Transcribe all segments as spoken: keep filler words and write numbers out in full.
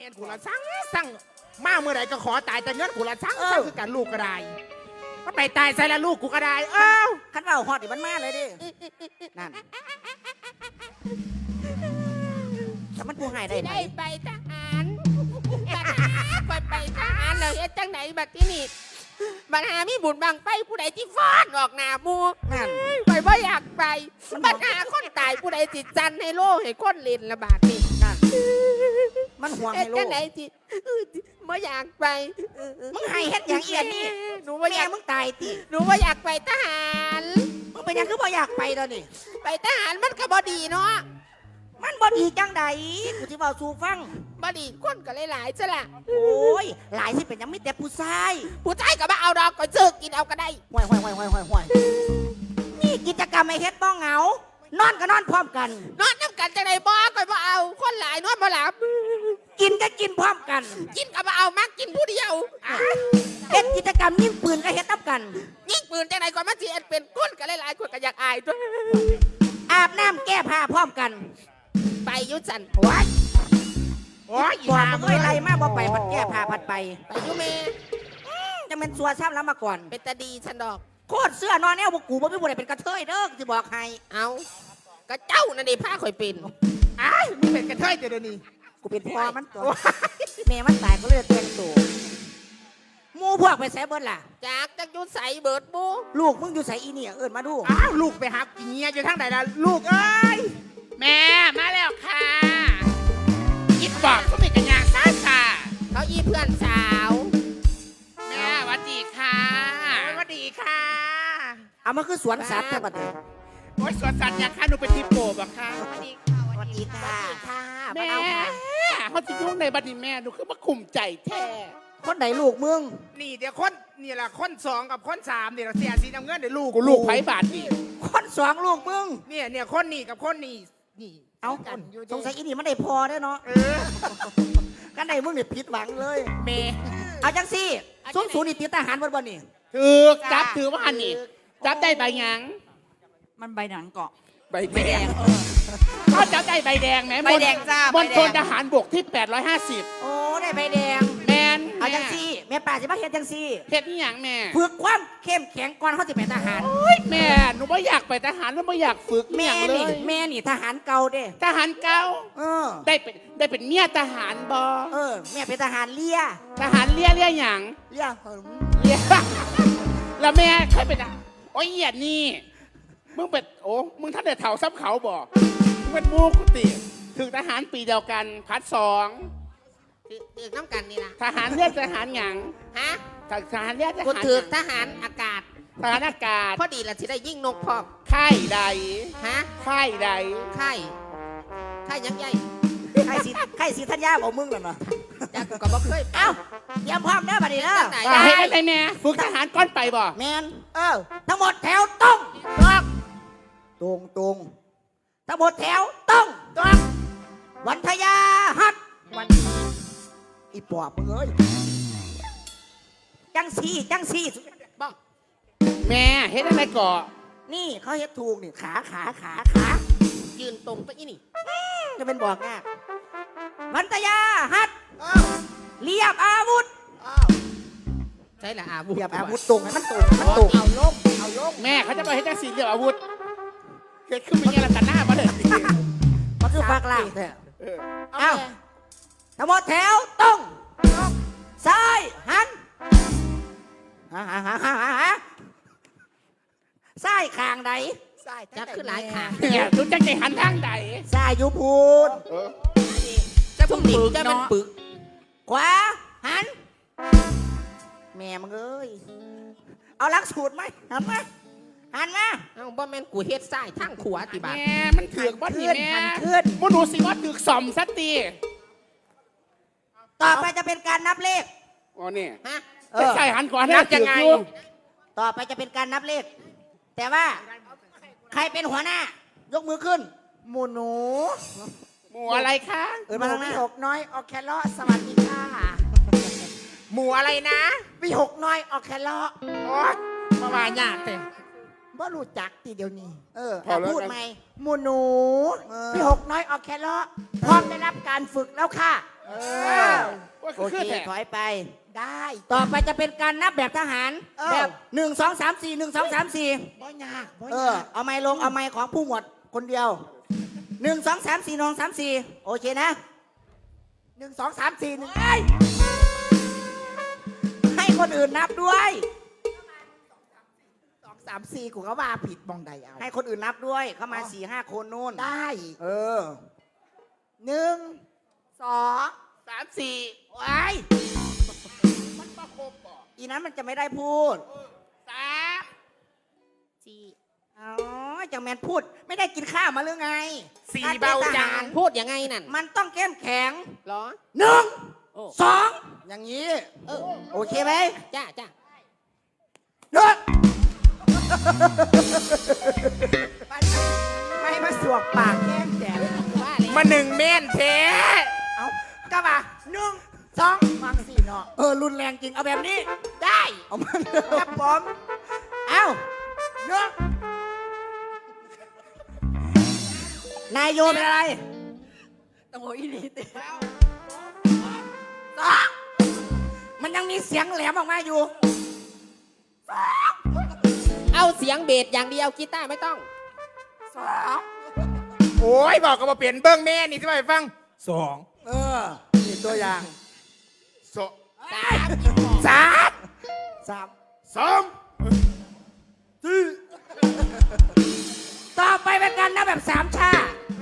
นกูละสั่งสั่งมาเมื่อไหร่ก็ขอตายแต่เงินกูละสั่งสั่งคือการลูกก็ได้มันไปตายใส่ละลูกกูก็ได้เอ้าขันว่าหอดดิมันมาเลยดินั่นแต่มันผู้หายได้ไหมได้ไปทหารบัดไปไปทหารเลยจังไหนบัดที่นี่บัดหามีบุญบางไปผู้ใดที่ฟ้อนออกหน้ามูนั่นไปบ่อยากไปบัดหาคนตายผู้ใดจิตจันให้โลให้คนเล่นละบาดนี่นั่นมันห่วงให้โลจังไหนจิบ่อยากไปมึงให้เฮ็ดอย่างเอียนนี่หนูบ่อแม่ยากมึงตายติหนูบ่อยากไปทหารมึงเป็นหยังคือบ่อยากไปตอนนี้ไปทหารมันก็บ่ดีเนาะมันบ่ดีจังใดกูสิเว้าสู่ฟังบ่ดีคนก็หลายๆซะล่ะโอ้ยหลายสิเป็นหยังมีแต่ผู้ชายผู้ชายก็บ่เอาดอกก็ซื้อกินเอาก็ได้ห่วยห่วยห่วยห่วยห่วยห่วยนี่กิจกรรมไอ้เฮ็ดบ้องเหงานอนก็นอนพร้อมกันนอนน้ำกันจังไดบ่ก็บ่เอาคนหลายนอนบ่หลับกินก็กินพร้อมกันกินก็บ่เอามักกินผู้เดียวเฮ็ดกิจกรรมยิงปืนก็เฮ็ดนับกันยิงปืนจังไดก็มาสิเอ็ดเป็นคนก็หลายๆคนก็อยากอายตัวอาบน้ำแก้ผ้าพร้อมกันไปอยุสันว้ายโอ้ยบอกมึงเอ้ยไรมาบ่ไปพัดแก้ผ้าพัดไปไปอยุเมจะเป็นสัวซ้ำแล้วมาก่อนเป็นตาดีฉันดอกโคตรเสื้อนอนแนวบ่กูบ่มีบ่ได้เป็นกระเทยเด้อสิบอกให้เอาก็เจ้านั่นดิผ้าข่อยเป็นอ้ายมึงเป็นกระเทยเดี๋ยวนี้กูเป็นพ่อมันตัวแม่มันตายก็เลยแต่งตัวหมู่พวกไปแซ่เบิดล่ะจากจักอยุใสเบิดบูลูกมึงอยู่ไสอีเนี่ยเอิ้นมาดูอ้าวลูกไปหากินเงียอยู่ทางไหนล่ะลูกเอ้ยแม่มาแล้วค่ะยิดบอกก็มีกันยางซ่าค่ะเขาอีเพื่อนสาวแม่หวัดดีค่ะสวัสดีค่ะเอามาคือสวนสัตว์แท้บัดนี้โอ้ยสวนสัตว์ยังค่ะหนูเป็นทีโปบอะค่ะสวัสดีค่ะค่ะแม่มาเอาค่ะเขาจะยุ่งในบัดนี้แม่หนูคือมาคุมใจแท้คนไหนลูกมึงนี่เดี๋ยวคนนี่แหละคนสองกับคนสามเนี่ยเสียสีน้ำเงินเดี๋ยวลูกกูลูกไผ่บาทนี่คนสองลูกมึงเนี่ยเนี่ยคนนี่กับคนนี่นี่เอากันอยู่สงสัยอีนี่มันได้พอได้อเนาะเออกันไหนมึงเนี่ยผิดหวังเลยเมเอาจังสิซุ้มศูนย์นี่ติดทหารบนบนนี่ถือจับถือว่าหันนี่จับได้ใบหยังมันใบหนังเกาะใบแดงเขาจับได้ใบแดงไหมใบแดงจ้าบนใบแดงทนทหารบกที่แปดร้อยห้าสิบโอ้ได้ใบแดงแมนเอาจังสิแม่ป่าสิมาเฮ็ดจังสิเฮ็ดนี่หยังแม่ฝึกความเข้มแข็งก่อนเขาจะเป็นทหารโอ้ยแม่หนูไม่อยากไปทหารแล้วไม่อยากฝึกแม่แม่เลนี่ยแม่นี่ทหารเก่าเด้ทหารเก่าเออได้เป็นได้เป็นเมียทหารบอเออแม่เป็นทหารเลี้ยทหารเลี้ยเลี้ยหยังเลี้ยหึงเลี้ย แล้วแม่เคยเป็นอะโอ้ยเหี้ยนี่มึงเป็นโอ้มึงท่านเด็ดเถาซับเขาบ่มึงเป็นมูกุติถึงทหารปีเดียวกันพัดสองถือถือน้ำกันนี่ล่ะทหารเลือดทหารหยังฮะทหารเลือดทกูหารถือหยังทหารอากาศทหารอากาศพอดีละสิได้ยิ่งนกพร้อมค่ายใดฮะค่ายใดค่ายค่ายยังใหญ่ใครสิใครสิทัญญาบอกมึงน่ะเนาะจากกูก็บ่เคยไปเอ้าเตรียมพร้อมเด้อบัดนี้เด้อไหนว่าให้ได้ไหมแม่ฝึกทหารก้อนไปบ่แมนเออทั้งหมดแถวตรงตรงตรงตรงทั้งหมดแถวตรงตรงวันทยาฮัดวันอีปอบมึงเอ้ยจังสีจังสีบอกแม่เฮ็ดอะไรก่อนี่เขาเฮ็ดถูกนี่ขาขาขาขายืนตรงตัวอีนี่จะเป็นบอกง่ายวันทยาฮัดเรียบอาวุธใช่ละอาวุธเรียบอาวุธตรงให้มันตรงให้มันตรงเอาลงเอาลงแม่เขาจะไปให้จังสีเรียกอาวุธเกิดขึ้นเป็นยังไงกันหน้ามาเลยมันคือฝากล่างแท้เออเอ้าทั้งหมดแถวตรงซ้ายหันฮะฮะฮะฮะฮะซ้ายข้างใดจะขึ้นหลายขาเนี่ยทุกจังใจหันทางใดซ้ายอยู่พูนเออจะพุ่งดิบจะมันปึกขวาหัน แม่มึงเอ้ย เอาหลักสูตรไหมหันมาหันมาเอาบ่แม่นกูเฮ็ดซ้ายทางขวาติบาทแม่มันถือกบ้านนี่แม่หันขึ้นมนูสิว่าถือกสอมสักตีต่อไปจะเป็นการนับเลขอ๋อนี่ฮะเอจะอใส่หันก่อนนับยังไงถือกอต่อไปจะเป็นการนับเลข แต่ว่า ใครเป็นหัวหน้า ยกมือขึ้น หมูหนูหมู่อะไรคะเออมาทางหน้าหกน้อยออกแคลอสวัสดีค่ะหมู่อะไรนะวิหกน้อยออกแคลอโอ๊ยมาว่ายากแต่บ่รู้จักทีเดียวนี้เอออ่ะพูดไหมหมูหนูเออพี่หกน้อยออกแคลอพร้อมได้รับการฝึกแล้วค่ะเออโอเคคือแท้ถอยไปได้ต่อไปจะเป็นการนับแบบทหารเออแบบหนึ่งสองสามสี่หนึ่งสองสามสี่บ่ยากบ่เอยาอก เอาไม้ลงเอาไม้ของผู้หมวดคนเดียวหนึ่งสองสามสี่นองสามสี่โอเคนะหนึ่งสองสามสี่หนึ่งให้คนอื่นนับด้วยสองสามสี่กูก็ว่าผิดมองใดเอาให้คนอื่นนับด้วยเข้ามาสี่ห้าคนนู่นได้เออหนึ่งสองสามสี่ไอ้ยมันมาครบบ่อีนั้นมันจะไม่ได้พูดสามสี่อ๋อจังแมนพูดไม่ได้กินข้าวมาหรือไงสี่การป็นเบาทจัหงรพูดยังไงนั่นมันต้องเข้มแข็งเหรอหนึ่งโอ้สองอย่างนี้เออโอเคไหมจ้าจ้าหนึ่งไม่มาสวกปากแก้งแจกว่าเลยมาหนึ่งเม่นเทเอาก็มาหนึ่งสองมังสี่เนาะเออรุนแรงจริงเอาแบบนี้ได้เอามาครับผมเอ้าหนึ่งนายโยเป็นอะไรตะโมอีนี่ติสองมันยังมีเสียงแหลมออกมาอยู่เอาเสียงเบสอย่างเดียวกีตาร์ไม่ต้องสองโอ้ยบอกกับว่าเปลี่ยนเบิ้งแม่นี่ที่ไปฟังสองเออนี่ตัวอย่างสองสามสามสามสองต่อไปเป็นการนับแบบสามชา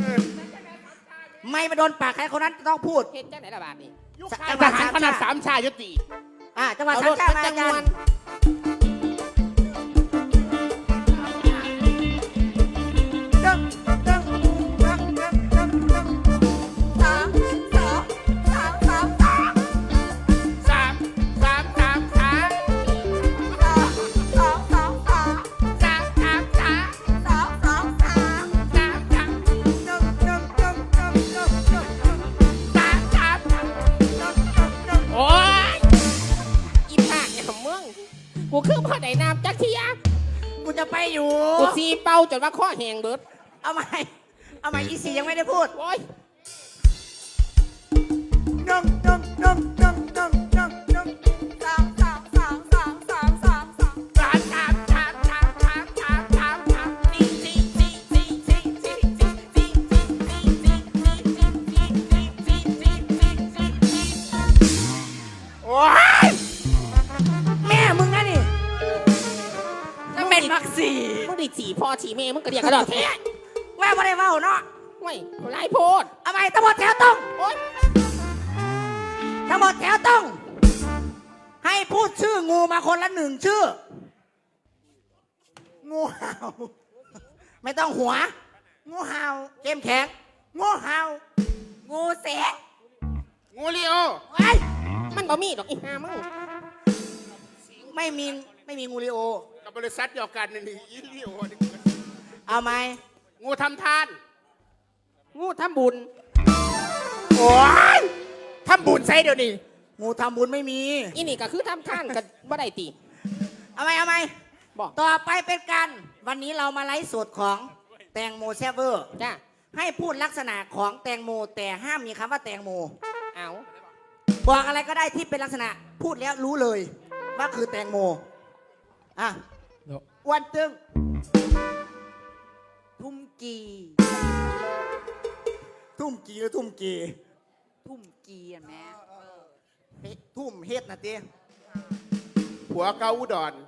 ไม่มาโดนปากใครคนนั้นต้องพูดเฮ็ดจังไหนละบาทนี่จังหทวะหารสามขนาดชาสามชายุติอ่ะจังหวะเอาสาร มถชามันมาจัอาง จารมวย์นหนึ่งหนึ่งหนึ่งหนึ่งหนึ่งหนึ่งหนึ่งสามสองสามสามสามสามสามสามสามสองสองสามสามสามสามสองสองสามสามสามหนึ่งหนึ่งหนึ่งหนึ่งหนึ่งหนึ่งหนึ่งสามสามหนึ่งหนึ่งหนึ่งโอ้ยอีภาคเนี่ยมึงกูคือพ่อไหนน้ำจักเทียกูจะไปอยู่กูซีเป่าจนว่าข้อแหงเบิดเอาใหม่เอาใหม่อีสียังไม่ได้พูดโอ้ยหนึ่งหนึ่งหนึ่งหนึ่งหนึ่งหนึ่งหนึ่งสามสามสามสามสามสามสามสามสามสามสามสามสามสามสามสี่สี่สี่สี่สี่สี่สี่สี่สี่สี่สี่สี่สี่สี่สี่สี่โอ้ยแม่มึงนะนี่นั่งเป็นมักสี่มึงได้สี่พ่อสี่แม่มึงก็เรียกกระดอกแท้แม่ไม่ได้เว้าเนาะโอ้ยไล่โพดเอาใหม่ทั้งหมดแถวตรงโอ้ยทั้งหมดแถวตรงให้พูดชื่องูมาคนละหนึ่งชื่องูเห่าไม่ต้องหัวงูเห่าเข้มแข็งงูเห่างูเสกงูเลียวไว้ยมันบ่มีดอกอีห่ามึงไม่มีไม่มีงูริโอกับบริษัทเดียวกันนี่อีเลียวนี่เอาไหมงูทำทานงูทำบุญโอ้ยทำบุญใส่เดี๋ยวนี้งูทำบุญไม่มีอีนี่ก็คือทำท่านกันบ่ได้ตีเอาไหมเอาไหมบอกต่อไปเป็นการวันนี้เรามาไลฟ์สดของแตงโมแซฟเวอร์จ้าให้พูดลักษณะของแตงโมแต่ห้ามมีคำว่าแตงโมเอาบอกอะไรก็ได้ที่เป็นลักษณะพูดแล้วรู้เลยว่าคือแตงโมอ่ะอ้วนตึงทุ่มกี ทุ่มกีหรือทุ่มกีทุ่มกีอ่ะแม่เฮ้ทุ่มเฮ็ดนะเต้ผัวเกาอุดร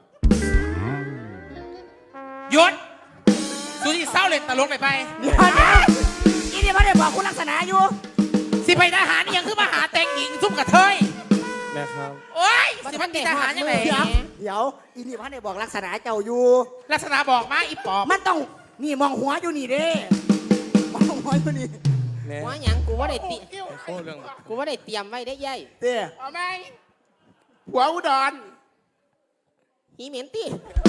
หยุดสุที่เศร้าเล่นตลกไปไปเดี๋ยวเดี๋ยวอีนี่ไม่ได้บอกคุณลักษณะอยู่สิไปทหารนี่ยังคือมาหาแต่งหญิงซุ่มกับเทยแม่ครับโอ้ยสิมันติดทหารยังไงเดี๋ยวเดี๋ยวอีนี่ไม่ได้บอกลักษณะเจ้าอยู่ลักษณะบอกมาอีปอบมันต้องนี่มองหัวอยู่นี่เด้มองหัวอยู่นี่แม่ว่าหยังกูว่าได้เตรียโอ้เรื่องกูว่าได้เตรียมไว้ได้ยัยเต้เอาไหมผัวอุดรหีเหม็นตี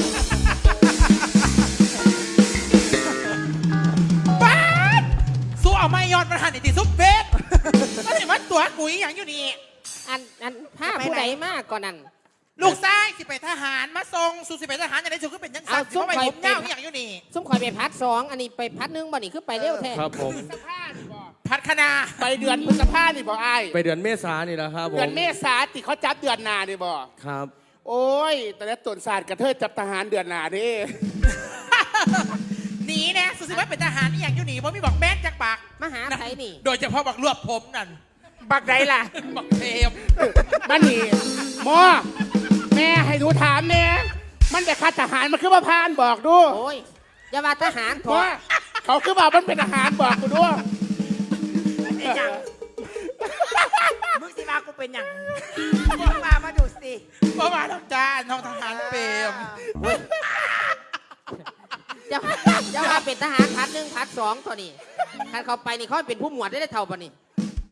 บ้านสู้เอาไม่ยอดมันหันอีกทีซุปเบสก็เห็นว่าตัวกุ๋ยอย่างอยู่นี่อันอันผ้าผู้ใดมากก่อนนั้นลูกชายสิไปทหารมาส่งสู่สิไปทหารอย่างไรสุดก็เป็นยังสัตว์สิเพราะไปผมเงาอย่างอยู่นี่ส้มข่อยไปพัดสองอันนี้ไปพัดหนึงบ่นี่คือไปเร็วแท้ครับผมสภาพนี่บอกพัดคณาไปเดือนพฤษภานี่บ่ไอ้ายไปเดือนเมษานี่แหละครับผมเดือนเมษาติเขาจับเดือนหนานี่บ่ครับโอ้ยแต่ละต้นศาสตร์กระเทยจับทหารเดือนหนานี่หนีนะสุสิว่าเป็นทหารนี่อย่างอยู่หนีเพราะมีบอกแม่นจากปากมาหาไผนี่โดยเฉพาะบักรวบผมนั่นบักใดล่ะบักเทมบ้านนี่หมอแม่ให้หนูถามแม่มันไปคัดทหารมันคือว่าพานบอกดูโอ้ยอย่าว่าทหารถหมออเขาคือว่ามันเป็นทหารบอกกูดูไอ้หยังมึงสิมากูเป็นหยังมึงมามาดูสิเพราะมาทำจ้าน้องทหารเปรมอย่าอย่าว่าเป็นทหารพัดหนึ่งพัดสองตัวนี้คันเขาไปนี่เขาเป็นผู้หมวดได้ได้เท่าปะนี่